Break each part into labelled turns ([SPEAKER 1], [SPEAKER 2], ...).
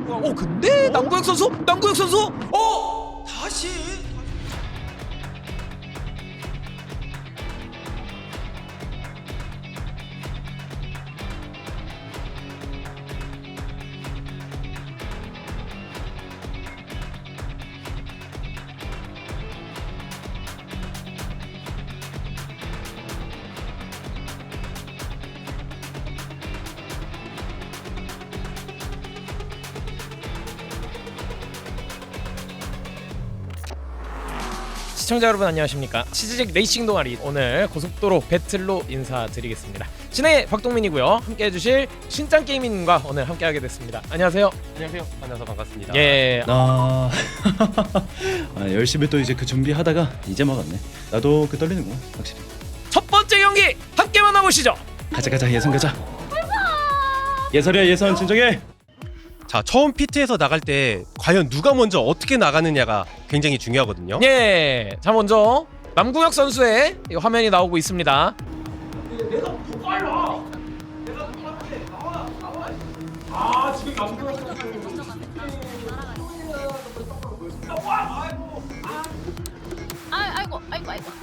[SPEAKER 1] 근데 남구혁 선수?
[SPEAKER 2] 다시
[SPEAKER 1] 시청자 여러분 안녕하십니까. 치즈직 레이싱 동아리 오늘 고속도로 배틀로 인사드리겠습니다. 진행의 박동민이고요. 함께 해주실 신짱게이밍님과 오늘 함께하게 됐습니다. 안녕하세요.
[SPEAKER 2] 안녕하세요. 만나서 반갑습니다.
[SPEAKER 1] 예.
[SPEAKER 3] 열심히 또 이제 그 준비하다가 이제 먹었네. 나도 그 떨리는구나 확실히.
[SPEAKER 1] 첫 번째 경기 함께 만나보시죠.
[SPEAKER 3] 가자 예선 가자. 예설이야 예선 진정해.
[SPEAKER 2] 자, 처음 피트에서 나갈 때 과연 누가 먼저 어떻게 나가느냐가 굉장히 중요하거든요.
[SPEAKER 1] 예. 자 먼저 남구혁 선수의 이 화면이 나오고 있습니다. 내가 더 빨라. 내가 더 빨라. 나와. 아 지금 남구혁 선수.
[SPEAKER 4] 아이고.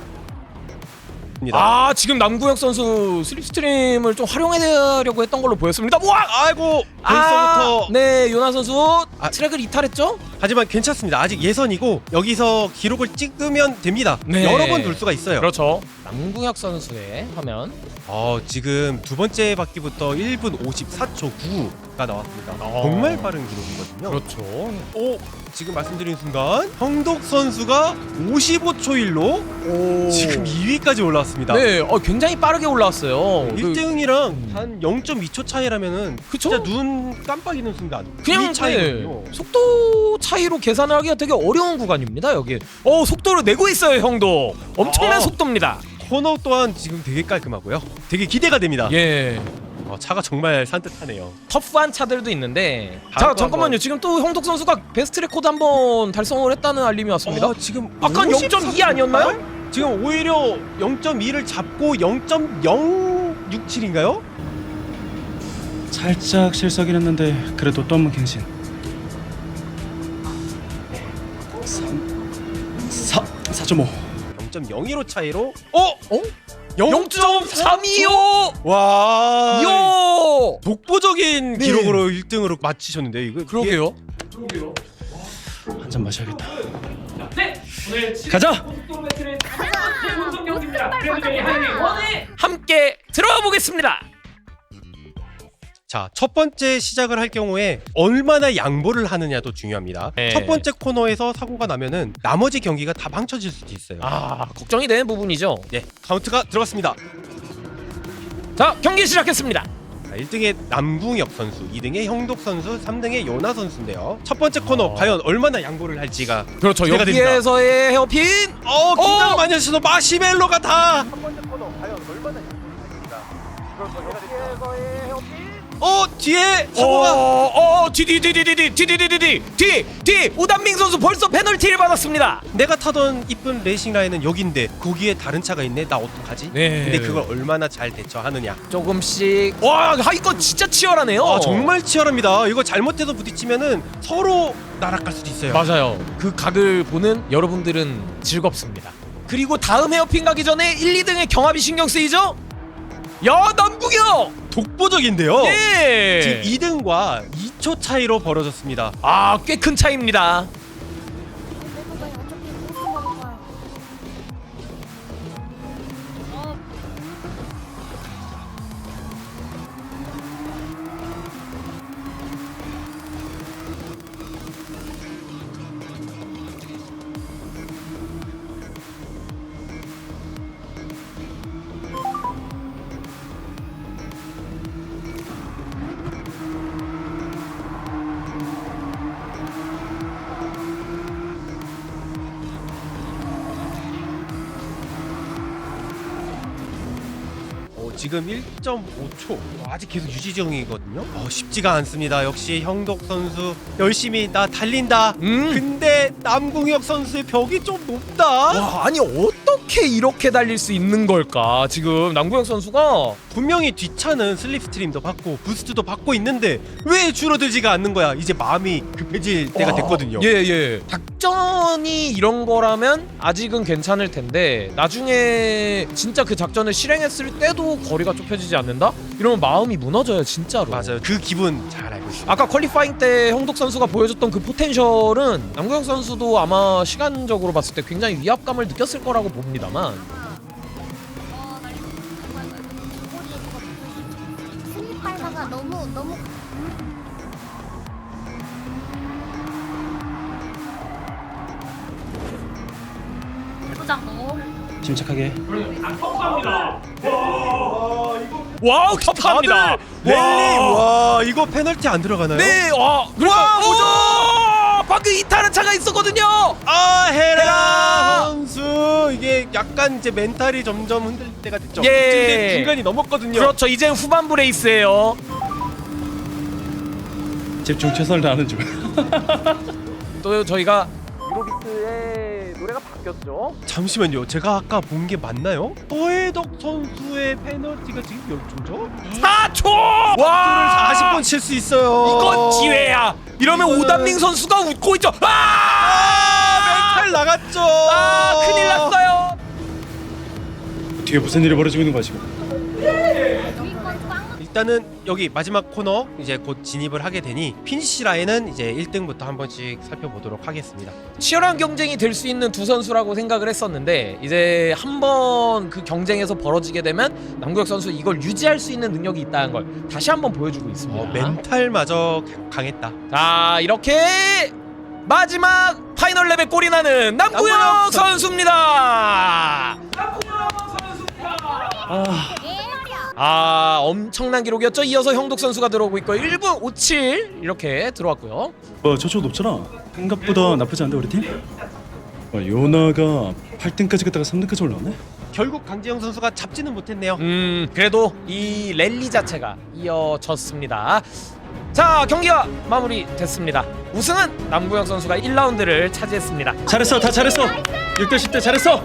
[SPEAKER 1] 아 지금 남구혁 선수 슬립스트림을 좀 활용하려고 했던 걸로 보였습니다. 우와!
[SPEAKER 2] 아이고, 벌써부터.
[SPEAKER 1] 네 요나 선수 트랙을 이탈했죠?
[SPEAKER 2] 하지만 괜찮습니다. 아직 예선이고 여기서 기록을 찍으면 됩니다.
[SPEAKER 1] 네.
[SPEAKER 2] 여러 번 돌 수가 있어요.
[SPEAKER 1] 그렇죠. 남구혁 선수의 화면.
[SPEAKER 2] 지금 두 번째 바퀴부터 1분 54초 9가 나왔습니다. 정말 빠른 기록이거든요.
[SPEAKER 1] 그렇죠.
[SPEAKER 2] 지금 말씀드린 순간 형독 선수가 55초 1로 지금 2위까지 올라왔습니다.
[SPEAKER 1] 네, 굉장히 빠르게 올라왔어요.
[SPEAKER 2] 1등이랑 한 0.2초 차이라면은
[SPEAKER 1] 그쵸?
[SPEAKER 2] 진짜 눈 깜빡이는 순간
[SPEAKER 1] 그냥
[SPEAKER 2] 이 차이거든요.
[SPEAKER 1] 속도 차이로 계산을 하기가 되게 어려운 구간입니다. 여기. 속도를 내고 있어요, 형도. 엄청난 속도입니다.
[SPEAKER 2] 코너 또한 지금 되게 깔끔하고요. 되게 기대가 됩니다.
[SPEAKER 1] 예.
[SPEAKER 2] 차가 정말 산뜻하네요.
[SPEAKER 1] 터프한 차들도 있는데.
[SPEAKER 2] 다음
[SPEAKER 1] 자,
[SPEAKER 2] 거
[SPEAKER 1] 잠깐만요.
[SPEAKER 2] 한번.
[SPEAKER 1] 지금 또 형독 선수가 베스트 레코드 한번 달성을 했다는 알림이 왔습니다.
[SPEAKER 2] 지금
[SPEAKER 1] 아까 0.2 아니었나요?
[SPEAKER 2] 지금 오히려 0.2를 잡고 0.067인가요?
[SPEAKER 3] 살짝 실수하긴 했는데 그래도 또 한 번 갱신. 4.5.
[SPEAKER 2] 0.01호 차이로
[SPEAKER 1] 0.325!
[SPEAKER 2] 와
[SPEAKER 1] 이야!
[SPEAKER 2] 독보적인
[SPEAKER 1] 네.
[SPEAKER 2] 기록으로 1등으로 마치셨는데 이거
[SPEAKER 1] 그러게요.
[SPEAKER 3] 한 잔 마셔야겠다.
[SPEAKER 1] 네, 오늘
[SPEAKER 3] 가자.
[SPEAKER 1] 고속도로 배틀의 본선 경기입니다. 그래도 저희 하이원에 함께 들어가 보겠습니다.
[SPEAKER 2] 자, 첫 번째 시작을 할 경우에 얼마나 양보를 하느냐도 중요합니다.
[SPEAKER 1] 네.
[SPEAKER 2] 첫 번째 코너에서 사고가 나면은 나머지 경기가 다 망쳐질 수도 있어요.
[SPEAKER 1] 걱정이 되는 부분이죠.
[SPEAKER 2] 네, 카운트가 들어갔습니다.
[SPEAKER 1] 자, 경기 시작했습니다.
[SPEAKER 2] 자, 1등의 남궁엽 선수, 2등의 형독 선수, 3등의 요나 선수인데요. 첫 번째 코너 과연 얼마나 양보를 할지가
[SPEAKER 1] 그렇죠.
[SPEAKER 2] 기대가 됩니다.
[SPEAKER 1] 여기에서의 헤어핀.
[SPEAKER 2] 긴장 많이 하셔서 마시멜로가 다. 첫 번째 코너 과연 얼마나 양보를 할지가 여기에서의 헤어핀. 뒤에 사고가.
[SPEAKER 1] 뒤 오단민 선수 벌써 페널티를 받았습니다.
[SPEAKER 2] 내가 타던 이쁜 레이싱 라인은 여긴데 거기에 다른 차가 있네. 나 어떡하지?
[SPEAKER 1] 네.
[SPEAKER 2] 근데 그걸 얼마나 잘 대처하느냐.
[SPEAKER 1] 조금씩. 이거 진짜 치열하네요.
[SPEAKER 2] 정말 치열합니다. 이거 잘못해서 부딪히면은 서로 날아갈 수도 있어요.
[SPEAKER 1] 맞아요. 그 각을 보는 여러분들은 즐겁습니다. 그리고 다음 헤어핀 가기 전에 1, 2등의 경합이 신경 쓰이죠? 야, 남궁혁!
[SPEAKER 2] 독보적인데요.
[SPEAKER 1] 예.
[SPEAKER 2] 지금 2등과 2초 차이로 벌어졌습니다.
[SPEAKER 1] 꽤 큰 차이입니다.
[SPEAKER 2] 지금 1.5초 아직 계속 유지 중이거든요. 쉽지가 않습니다. 역시 형독 선수 열심히 나 달린다. 근데 남궁혁 선수의 벽이 좀 높다.
[SPEAKER 1] 아니 어떤 어떻게 이렇게 달릴 수 있는 걸까? 지금 남구혁 선수가
[SPEAKER 2] 분명히 뒷차는 슬립스트림도 받고 부스트도 받고 있는데 왜 줄어들지가 않는 거야. 이제 마음이 급해질 때가 됐거든요.
[SPEAKER 1] 예. 작전이 이런 거라면 아직은 괜찮을 텐데 나중에 진짜 그 작전을 실행했을 때도 거리가 좁혀지지 않는다? 이러면 마음이 무너져요, 진짜로.
[SPEAKER 2] 맞아요. 그 기분 잘 알고 있어요.
[SPEAKER 1] 아까 퀄리파잉 때 형독 선수가 보여줬던 그 포텐셜은 남구혁 선수도 아마 시간적으로 봤을 때 굉장히 위압감을 느꼈을 거라고 봅니다만
[SPEAKER 4] 스니팔마가 너무 포장 너무
[SPEAKER 3] 침착하게.
[SPEAKER 1] 와우 터프합니다.
[SPEAKER 2] 랠리 와 이거 페널티 안 들어가나요?
[SPEAKER 1] 네, 와, 그러니까 오죠. 방금 이탈한 차가 있었거든요.
[SPEAKER 2] 아
[SPEAKER 1] 헤라!
[SPEAKER 2] 헤라 선수 이게 약간 이제 멘탈이 점점 흔들릴 때가 됐죠.
[SPEAKER 1] 예.
[SPEAKER 2] 이제 중간이 넘었거든요.
[SPEAKER 1] 그렇죠. 이제는 후반부 레이스예요.
[SPEAKER 3] 집중 최선을 다하는 중.
[SPEAKER 1] 또 저희가 유로비트의 노래가 바뀌었죠.
[SPEAKER 2] 잠시만요. 제가 아까 본 게 맞나요? 허혜덕 선수의 페널티가 지금 몇 초죠?
[SPEAKER 1] 4초.
[SPEAKER 2] 와!
[SPEAKER 1] 와,
[SPEAKER 2] 40번 칠 수 있어요.
[SPEAKER 1] 이건 기회야. 이러면
[SPEAKER 2] 이거는-
[SPEAKER 1] 오담민 선수가 웃고 있죠. 아!
[SPEAKER 2] 멘탈 나갔죠.
[SPEAKER 1] 아, 큰일 났어요.
[SPEAKER 3] 뒤에 무슨 일이 벌어지고 있는 거야 지금?
[SPEAKER 2] 일단은 여기 마지막 코너 이제 곧 진입을 하게 되니 피니시 라인은 이제 1등부터 한 번씩 살펴보도록 하겠습니다.
[SPEAKER 1] 치열한 경쟁이 될 수 있는 두 선수라고 생각을 했었는데 이제 한번 그 경쟁에서 벌어지게 되면 남구혁 선수 이걸 유지할 수 있는 능력이 있다는 걸 다시 한번 보여주고 있습니다.
[SPEAKER 2] 멘탈마저 강했다.
[SPEAKER 1] 자, 이렇게 마지막 파이널 랩에 골이 나는 남구혁
[SPEAKER 2] 남구혁
[SPEAKER 1] 선수입니다.
[SPEAKER 3] 아,
[SPEAKER 1] 엄청난 기록이었죠. 이어서 형독 선수가 들어오고 있고 1분 57 이렇게 들어왔고요.
[SPEAKER 3] 저쪽 높잖아. 생각보다 나쁘지 않은데 우리 팀? 요나가 8등까지 갔다가 3등까지 올라왔네.
[SPEAKER 2] 결국 강지영 선수가 잡지는 못했네요.
[SPEAKER 1] 그래도 이 랠리 자체가 이어졌습니다. 자, 경기가 마무리됐습니다. 우승은 남구혁 선수가 1라운드를 차지했습니다.
[SPEAKER 3] 잘했어, 다 잘했어. 6대 10대 잘했어.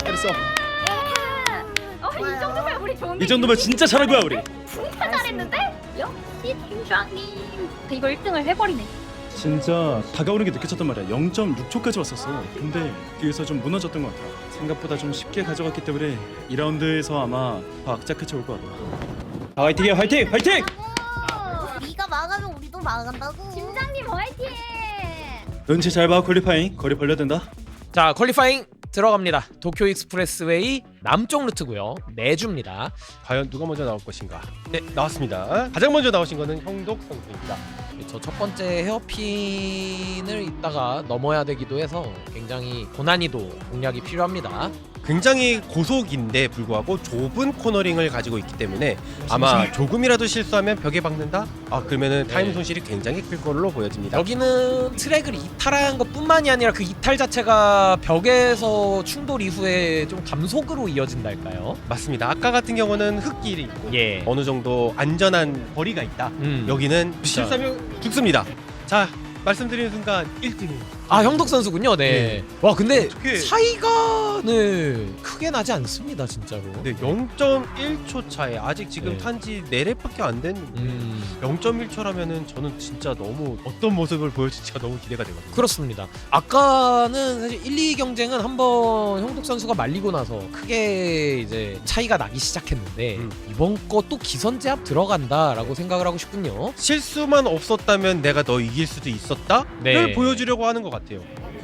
[SPEAKER 4] 이 정도면 우리 좋은데
[SPEAKER 3] 이 정도면 진짜 잘한 거야 우리.
[SPEAKER 4] 진짜 잘했는데? 역시 팀장님 이거 1등을 해버리네.
[SPEAKER 3] 진짜 다가오는 게 느껴졌단 말이야. 0.6초까지 왔었어. 근데 뒤에서 좀 무너졌던 것 같아. 생각보다 좀 쉽게 가져갔기 때문에 2라운드에서 아마 더 악자 끝이 올 것 같아. 화이팅해, 화이팅, 화이팅!
[SPEAKER 4] 네가 막으면 우리도 막은다고. 팀장님 화이팅!
[SPEAKER 3] 눈치 잘 봐, 퀄리파잉. 거리 벌려야 된다.
[SPEAKER 1] 자, 퀄리파잉 들어갑니다. 도쿄 익스프레스웨이 남쪽 루트고요. 내주입니다.
[SPEAKER 2] 과연 누가 먼저 나올 것인가? 네, 나왔습니다. 가장 먼저 나오신 거는 형독 선수입니다.
[SPEAKER 1] 저 첫 번째 헤어핀을 이따가 넘어야 되기도 해서 굉장히 고난이도 공략이 필요합니다.
[SPEAKER 2] 굉장히 고속인데 불구하고 좁은 코너링을 가지고 있기 때문에 아마 조금이라도 실수하면 벽에 박는다? 그러면은 타임
[SPEAKER 1] 네.
[SPEAKER 2] 손실이 굉장히 클 걸로 보여집니다.
[SPEAKER 1] 여기는 트랙을 이탈한 것뿐만이 아니라 그 이탈 자체가 벽에서 충돌 이후에 좀 감속으로 이어진달까요?
[SPEAKER 2] 맞습니다. 아까 같은 경우는 흙길이 있고
[SPEAKER 1] 예.
[SPEAKER 2] 어느 정도 안전한 거리가 있다. 여기는 실수하면 죽습니다. 자, 말씀드리는 순간 1등이
[SPEAKER 1] 형독 선수군요. 네. 와, 근데
[SPEAKER 2] 어떻게-
[SPEAKER 1] 차이가 크게 나지 않습니다, 진짜로.
[SPEAKER 2] 네, 0.1초 차에 아직 지금
[SPEAKER 1] 네.
[SPEAKER 2] 탄지 4랩밖에 안 됐는데 0.1초라면은 저는 진짜 너무 어떤 모습을 보여줄지가 너무 기대가 되거든요.
[SPEAKER 1] 그렇습니다. 아까는 사실 1, 2 경쟁은 한번 형독 선수가 말리고 나서 크게 이제 차이가 나기 시작했는데 이번 거 또 기선 제압 들어간다라고 생각을 하고 싶군요.
[SPEAKER 2] 실수만 없었다면 내가 너 이길 수도 있었다를
[SPEAKER 1] 네.
[SPEAKER 2] 보여주려고 하는 것 같아요.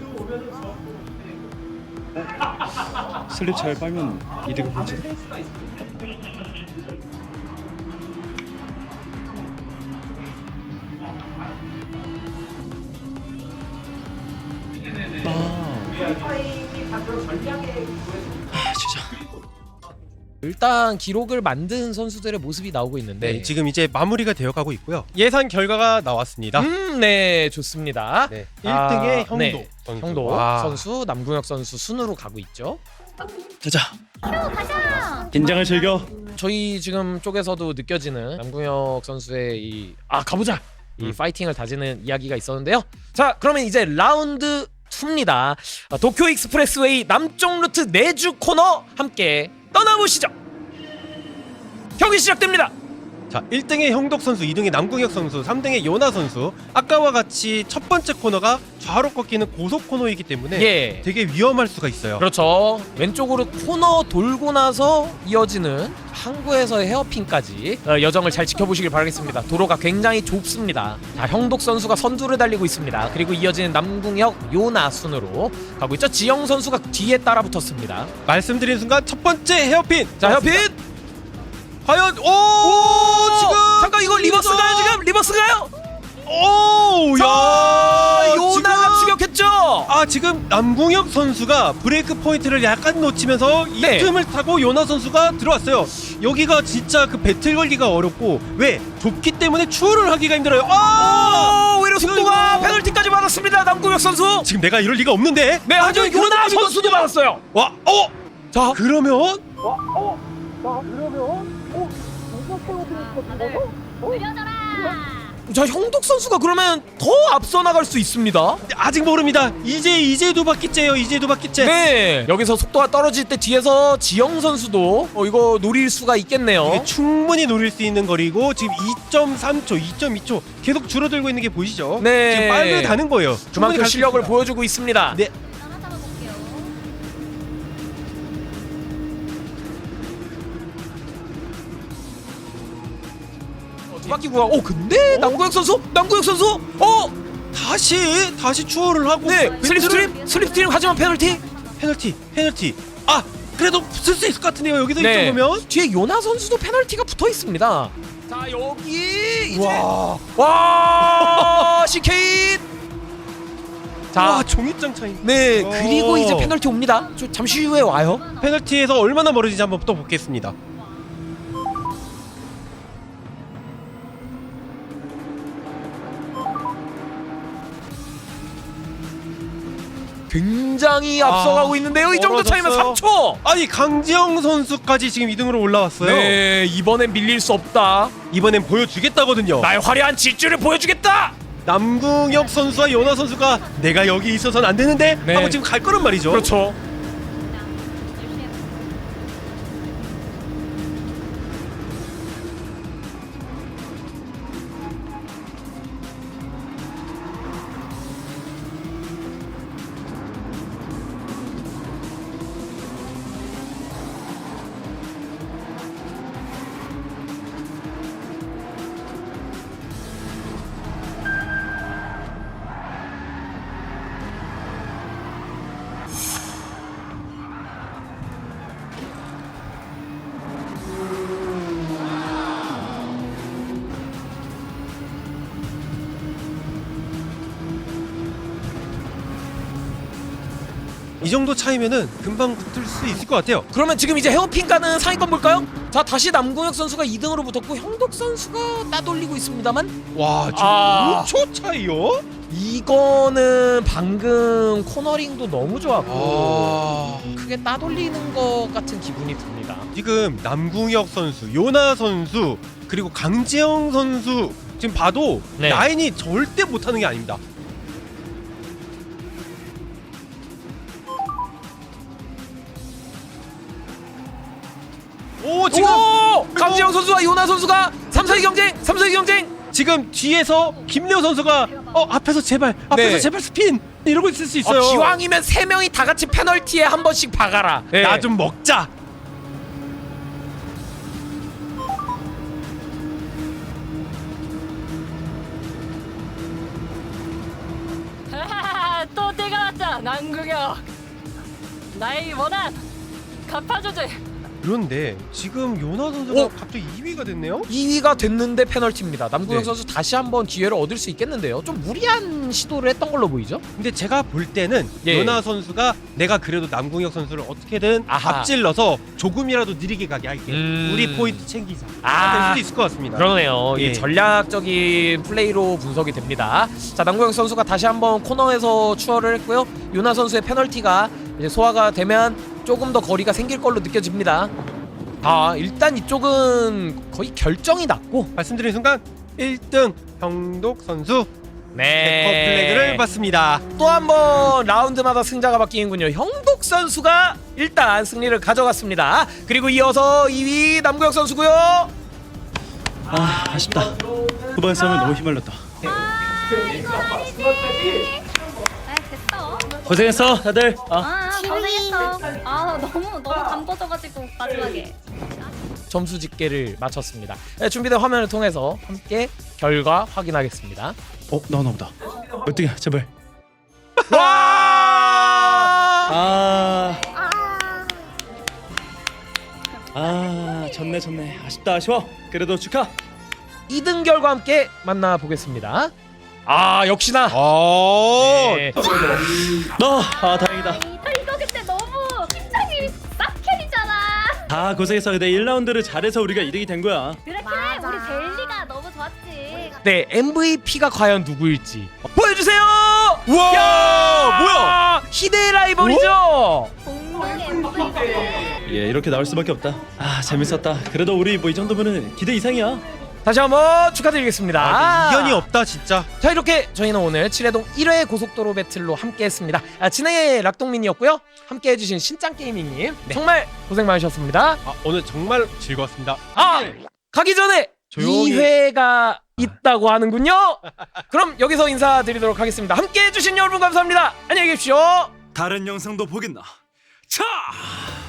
[SPEAKER 3] 슬립 잘 빨면 이득을 보지. 진짜.
[SPEAKER 1] 일단 기록을 만든 선수들의 모습이 나오고 있는데
[SPEAKER 2] 네, 지금 이제 마무리가 되어가고 있고요. 예상 결과가 나왔습니다.
[SPEAKER 1] 네, 좋습니다.
[SPEAKER 2] 네, 1등의 형도
[SPEAKER 1] 네,
[SPEAKER 2] 선수.
[SPEAKER 1] 형도
[SPEAKER 2] 와.
[SPEAKER 1] 선수, 남구혁 선수 순으로 가고 있죠.
[SPEAKER 3] 가자.
[SPEAKER 4] 가자.
[SPEAKER 3] 긴장을 즐겨.
[SPEAKER 1] 저희 지금 쪽에서도 느껴지는 남구혁 선수의 가보자! 이 파이팅을 다지는 이야기가 있었는데요. 자, 그러면 이제 라운드 2입니다. 도쿄 익스프레스웨이 남쪽 루트 내주 코너 함께 떠나보시죠. 경기 시작됩니다.
[SPEAKER 2] 자, 1등의 형덕 선수, 2등의 남궁혁 선수, 3등의 요나 선수. 아까와 같이 첫 번째 코너가 좌로 꺾이는 고속 코너이기 때문에
[SPEAKER 1] 예.
[SPEAKER 2] 되게 위험할 수가 있어요.
[SPEAKER 1] 그렇죠. 왼쪽으로 코너 돌고 나서 이어지는 항구에서의 헤어핀까지 여정을 잘 지켜보시길 바라겠습니다. 도로가 굉장히 좁습니다. 자, 형독 선수가 선두를 달리고 있습니다. 그리고 이어지는 남궁혁, 요나 순으로 가고 있죠. 지영 선수가 뒤에 따라 붙었습니다.
[SPEAKER 2] 말씀드린 순간 첫 번째 헤어핀.
[SPEAKER 1] 자, 헤어핀!
[SPEAKER 2] 과연 지금
[SPEAKER 1] 잠깐 이거 리버스가요 지금? 리버스가요? 요나가 추격했죠?
[SPEAKER 2] 지금 남궁혁 선수가 브레이크 포인트를 약간 놓치면서 이
[SPEAKER 1] 네.
[SPEAKER 2] 틈을 타고 요나 선수가 들어왔어요. 여기가 진짜 그 배틀 걸기가 어렵고 왜? 좁기 때문에 추월을 하기가 힘들어요.
[SPEAKER 1] 오히려 속도가
[SPEAKER 2] 이거.
[SPEAKER 1] 페널티까지 받았습니다. 남궁혁 선수.
[SPEAKER 2] 지금 내가 이럴 리가 없는데.
[SPEAKER 1] 네, 하지만
[SPEAKER 2] 그런
[SPEAKER 1] 요나
[SPEAKER 2] 느낌이
[SPEAKER 1] 선수도
[SPEAKER 2] 있거든요.
[SPEAKER 1] 받았어요.
[SPEAKER 2] 와,
[SPEAKER 1] 자,
[SPEAKER 2] 그러면
[SPEAKER 4] 느려져라.
[SPEAKER 1] 자, 형독 선수가 그러면 더 앞서 나갈 수 있습니다.
[SPEAKER 2] 아직 모릅니다. 이제 두 바퀴째예요. 이제 두 바퀴째.
[SPEAKER 1] 네, 여기서 속도가 떨어질 때 뒤에서 지영 선수도 이거 노릴 수가 있겠네요.
[SPEAKER 2] 이게 충분히 노릴 수 있는 거리고 지금 2.3초, 2.2초 계속 줄어들고 있는 게 보이시죠?
[SPEAKER 1] 네.
[SPEAKER 2] 지금 빨리 가는 거예요. 충분히
[SPEAKER 1] 그만큼
[SPEAKER 2] 갈수
[SPEAKER 1] 실력을
[SPEAKER 2] 있습니다.
[SPEAKER 1] 보여주고 있습니다.
[SPEAKER 2] 네.
[SPEAKER 4] 따라잡아 볼게요.
[SPEAKER 1] 두 바퀴 구간. 근데 남궁혁 선수,
[SPEAKER 2] 다시 추월을 하고
[SPEAKER 1] 네,
[SPEAKER 2] 멘트를-
[SPEAKER 1] 슬립스트림 하지만 페널티.
[SPEAKER 2] 페널티. 그래도 쓸 수 있을 것 같은데요. 여기서 이
[SPEAKER 1] 네,
[SPEAKER 2] 정도면.
[SPEAKER 1] 뒤에 요나 선수도 페널티가 붙어 있습니다. 자, 여기 이제
[SPEAKER 2] 와,
[SPEAKER 1] CK. 자,
[SPEAKER 2] 와, 종이장 차이.
[SPEAKER 1] 네, 그리고 이제 페널티 옵니다. 잠시 후에 와요.
[SPEAKER 2] 페널티에서 얼마나 멀어지지 한번 또 보겠습니다.
[SPEAKER 1] 굉장히 앞서가고 있는데요. 이 정도 차이면
[SPEAKER 2] 멀어졌어요.
[SPEAKER 1] 3초.
[SPEAKER 2] 아니, 강지영 선수까지 지금 2등으로 올라왔어요.
[SPEAKER 1] 네, 이번엔 밀릴 수 없다.
[SPEAKER 2] 이번엔 보여주겠다거든요.
[SPEAKER 1] 나의 화려한 질주를 보여주겠다.
[SPEAKER 2] 남궁혁 선수와 요나 선수가 내가 여기 있어서는 안 되는데
[SPEAKER 1] 네.
[SPEAKER 2] 하고 지금 갈 거란 말이죠.
[SPEAKER 1] 그렇죠.
[SPEAKER 2] 이 정도 차이면은 금방 붙을 수 있을 것 같아요.
[SPEAKER 1] 그러면 지금 이제 헤어핀 가는 상위권 볼까요? 자, 다시 남궁혁 선수가 2등으로 붙었고 형독 선수가 따돌리고 있습니다만
[SPEAKER 2] 와, 지금
[SPEAKER 1] 아.
[SPEAKER 2] 5초 차이요?
[SPEAKER 1] 이거는 방금 코너링도 너무 좋았고 크게 따돌리는 것 같은 기분이 듭니다.
[SPEAKER 2] 지금 남궁혁 선수, 요나 선수, 그리고 강지영 선수 지금 봐도
[SPEAKER 1] 네.
[SPEAKER 2] 라인이 절대 못하는 게 아닙니다. 지금
[SPEAKER 1] 강지영 선수와 요나 선수가 3사위 경쟁.
[SPEAKER 2] 지금 뒤에서 김래호 선수가 앞에서 제발
[SPEAKER 1] 네.
[SPEAKER 2] 스핀 이러고 있을 수 있어요.
[SPEAKER 1] 기왕이면 3명이 다 같이 페널티에 한 번씩 박아라. 네.
[SPEAKER 2] 나 좀 먹자.
[SPEAKER 5] 또 때가 왔다 남궁혁 나의 원한 갚아주지.
[SPEAKER 2] 그런데 지금 요나 선수가 갑자기 2위가 됐네요.
[SPEAKER 1] 2위가 됐는데 페널티입니다. 남궁혁
[SPEAKER 2] 네.
[SPEAKER 1] 선수 다시 한번 기회를 얻을 수 있겠는데요. 좀 무리한 시도를 했던 걸로 보이죠?
[SPEAKER 2] 근데 제가 볼 때는
[SPEAKER 1] 예.
[SPEAKER 2] 요나 선수가 내가 그래도 남궁혁 선수를 어떻게든
[SPEAKER 1] 아하.
[SPEAKER 2] 앞질러서 조금이라도 느리게 가게 할게. 우리 포인트 챙기자. 될 수도 있을 것 같습니다.
[SPEAKER 1] 그러네요.
[SPEAKER 2] 예.
[SPEAKER 1] 이게 전략적인 플레이로 분석이 됩니다. 자, 남궁혁 선수가 다시 한번 코너에서 추월을 했고요. 요나 선수의 페널티가 이제 소화가 되면 조금 더 거리가 생길 걸로 느껴집니다. 일단 이쪽은 거의 결정이 났고
[SPEAKER 2] 말씀드린 순간 1등 형독 선수
[SPEAKER 1] 네.
[SPEAKER 2] 백커 플래그를 해봤습니다.
[SPEAKER 1] 또 한 번 라운드마다 승자가 바뀌는군요. 형독 선수가 일단 승리를 가져갔습니다. 그리고 이어서 2위 남구혁 선수고요.
[SPEAKER 3] 아 아쉽다. 후반 싸움에 너무 휘말렸다.
[SPEAKER 4] 이거 아니지. 아 됐어.
[SPEAKER 3] 고생했어 다들.
[SPEAKER 4] 고생했어. 너무 담궈져가지고 마지막에.
[SPEAKER 1] 점수 집계를 마쳤습니다. 네, 준비된 화면을 통해서 함께 결과 확인하겠습니다.
[SPEAKER 3] 나오나 보다. 어떻게 제발.
[SPEAKER 1] 와!
[SPEAKER 3] 졌네. 아쉽다 아쉬워. 그래도 축하.
[SPEAKER 1] 2등 결과 함께 만나보겠습니다. 역시나 네.
[SPEAKER 3] 다행이다.
[SPEAKER 4] 이거 근데 너무 팀장님이 싹캐리잖아.
[SPEAKER 3] 고생했어. 근데 1라운드를 잘해서 우리가 이득이 된 거야.
[SPEAKER 4] 그래 우리 벨리가 너무 좋았지.
[SPEAKER 1] 네, MVP가 과연 누구일지 보여주세요.
[SPEAKER 2] 우와 뭐야?
[SPEAKER 1] 희대의 라이벌이죠.
[SPEAKER 4] 공룡의 MVP.
[SPEAKER 3] 예 이렇게 나올 수밖에 없다. 재밌었다. 그래도 우리 뭐 이 정도면은 기대 이상이야.
[SPEAKER 1] 다시 한번 축하드리겠습니다.
[SPEAKER 2] 이견이 없다 진짜.
[SPEAKER 1] 자, 이렇게 저희는 오늘 칠해동 1회 고속도로 배틀로 함께했습니다. 진행의 락동민이었고요. 함께해주신 신짱게이밍님 정말 고생 많으셨습니다.
[SPEAKER 2] 오늘 정말 즐거웠습니다.
[SPEAKER 1] 가기 전에
[SPEAKER 2] 조용히.
[SPEAKER 1] 2회가 있다고 하는군요. 그럼 여기서 인사드리도록 하겠습니다. 함께해주신 여러분 감사합니다. 안녕히 계십시오.
[SPEAKER 3] 다른 영상도 보겠나? 차!